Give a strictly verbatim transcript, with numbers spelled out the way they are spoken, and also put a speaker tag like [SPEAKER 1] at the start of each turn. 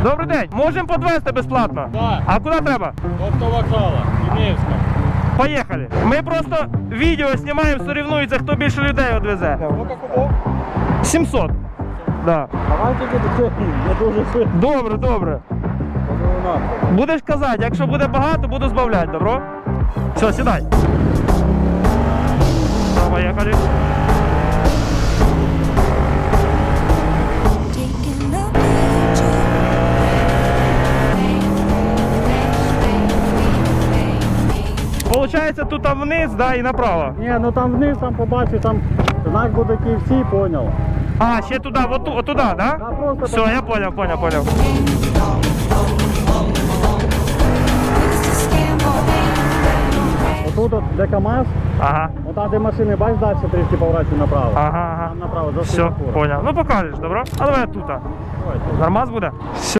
[SPEAKER 1] Добрий день, можемо підвезти безплатно?
[SPEAKER 2] Так.
[SPEAKER 1] А куди треба?
[SPEAKER 2] До вокзала, Київська.
[SPEAKER 1] Поїхали. Ми просто відео знімаємо, соревнуються, хто більше людей відвезе.
[SPEAKER 2] Сколько кубов?
[SPEAKER 1] сімсот. Да.
[SPEAKER 2] Давайте буде, я дуже сильно.
[SPEAKER 1] Добре, добре. Будеш казати, якщо буде багато, буду збавляти, добро? Все, сідай. Поїхали. Получається, тут вниз, да, і направо.
[SPEAKER 2] Ні, ну там вниз, там побачу, там знак буде Київ Сі, понял.
[SPEAKER 1] А, ще туди, от, от туди, да?
[SPEAKER 2] Да, просто
[SPEAKER 1] Все,
[SPEAKER 2] там-
[SPEAKER 1] я понял, понял, понял.
[SPEAKER 2] Отут от, де КамАЗ,
[SPEAKER 1] Ага,
[SPEAKER 2] от там де машини, бач, далі трішки поворачуй направо.
[SPEAKER 1] ага, ага.
[SPEAKER 2] Там направо, за
[SPEAKER 1] Все,
[SPEAKER 2] світлофором.
[SPEAKER 1] понял. Ну покажеш, добро? А давай тут.
[SPEAKER 2] Давайте.
[SPEAKER 1] Нормас буде? Все.